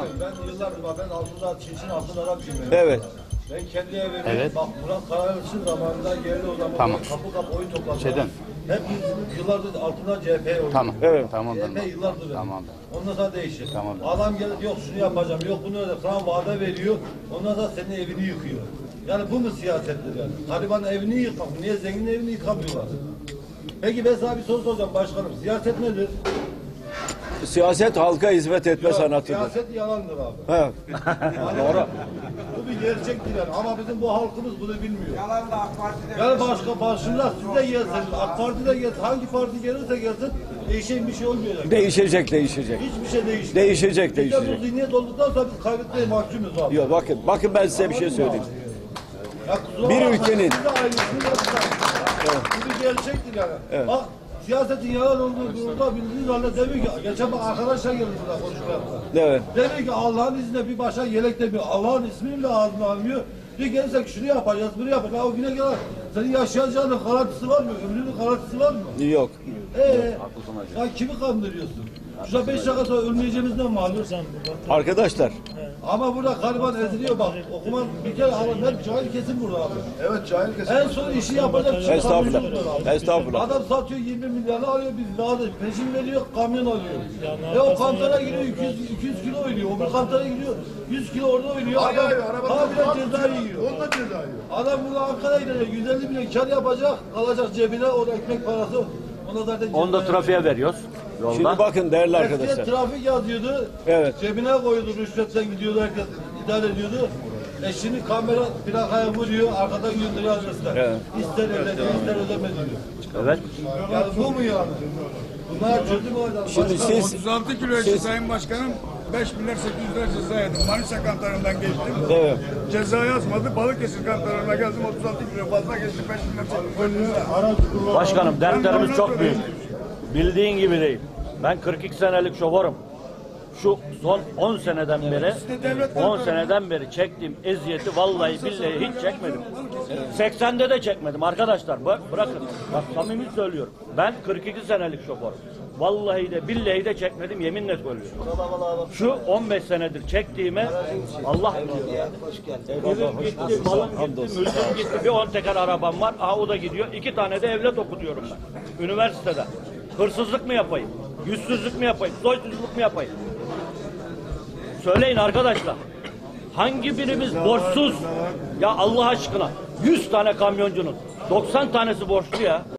Ben yıllardır bak ben altında Çinçin altın Arapçıyım. Evet. Ben kendi evime Evet. bak Murat Karayalçın zamanında geldi o zaman Tamam. kapı oy topladı. Şeyden. Hep biz yıllardır altında CHP oynuyor. Tamam. Evet. Tamam. CHP yıllardır. Tamam. Ondan sonra değişir. Tamam. Adam gelip yok şunu yapacağım, yok bunu öyle sana vaade veriyor. Ondan sonra senin evini yıkıyor. Yani bu mu siyasettir yani? Taliban'ın evini yıkmak, niye zengin evini yıkamıyorlar? Peki ben sana bir soru soracağım başkanım. Siyaset nedir? Siyaset halka hizmet etme Yok, sanatıdır. siyaset yalandır abi. Evet. Doğru. Bu bir gerçektir yani ama bizim bu halkımız bunu bilmiyor. Yalan da AK Parti'de. Yani başka başımda siz de gelseniz, AK Parti de gelsin, hangi parti gelirse gelsin değişen bir şey olmayacak. Değişecek. Hiçbir şey değişmiyor. Değişecek. Biz de bu zihniyet olduktan sonra biz kaybetmeye mahkumuz abi. Yok bakın ben size bir şey söyleyeyim. Ya kusura Bir bakma, ülkenin- siz de aynısını yapın. Bu bir gerçektir yani. Bak siyasetin yalan olduğu durumda bildiğiniz halde demiyor ki, geçen bak arkadaşlar geldi burada konuşmaya. Evet. Demiyor ki Allah'ın izniyle bir başa yelek demiyor. Allah'ın ismini bile ağzına almıyor. Bir gelirsek şunu yapacağız, bunu yapacağız. Ya o güne kadar senin yaşayacağının garantisi var mı? Ömrünün garantisi var mı? Yok. Ya kimi kandırıyorsun? Şurada 5 dakika sonra ölmeyeceğimizden malum. Arkadaşlar Ama burada gariban eziliyor bak. Okuman bir kere alın. Hep cahil kesim burada abi. Evet cahil kesim. En son işi yapacak. Estağfurullah. Estağfurullah. Adam satıyor 20 milyarını alıyor biz daha da peşin veriyor kamyon alıyor. O kantara giriyor 200 kilo oynuyor. O bir kantara giriyor 100 kilo orada oynuyor. Adam habire ceza yiyor. Onda ceza yiyor. Adam burada Ankara'ya gidecek 150 milyon kar yapacak. Alacak cebine o ekmek parası. Ona zaten Onu da trafiğe veriyoruz. Yolda. şimdi bakın değerli Eskiden arkadaşlar. trafik yazıyordu. Evet. Cebine koyuyordu, rüşvetten gidiyordu herkes idare ediyordu. Şimdi kamera plakaya vuruyor, arkadan gönderiyor adresler. Evet. İster ödedi, ister ödeme diyor. Evet. Yani bu mu yani? Bunlar çözüm olacak. Şimdi siz 36 kilo eşi Sayın Başkanım 5 milyar 800 lira ceza yedim. Manisa kantarından geçtim. evet. Ceza yazmadı. Balıkesir kantarına geldim 36 kilo fazla geçtim 5 milyar 800 lira. Başkanım dertlerimiz çok büyük. Bildiğin gibi değil. Ben 42 senelik şoförüm. Şu son 10 seneden beri çektiğim eziyeti vallahi billahi hiç çekmedim. 80'de de çekmedim arkadaşlar. Bırakın. Bak samimi söylüyorum. Ben 42 senelik şoförüm. Vallahi de billahi de çekmedim yeminle söylüyorum. Şu 15 senedir çektiğime Allah evim gitti, malım gitti, mülküm gitti. Bir 10 teker arabam var. Aha o da gidiyor. 2 tane de evlat okutuyorum ben. Üniversitede. Hırsızlık mı yapayım? Yüzsüzlük mü yapayım? Soysuzluk mu yapayım? Söyleyin arkadaşlar. Hangi birimiz borçsuz? Ya Allah aşkına 100 tane kamyoncunun 90 tanesi borçlu ya.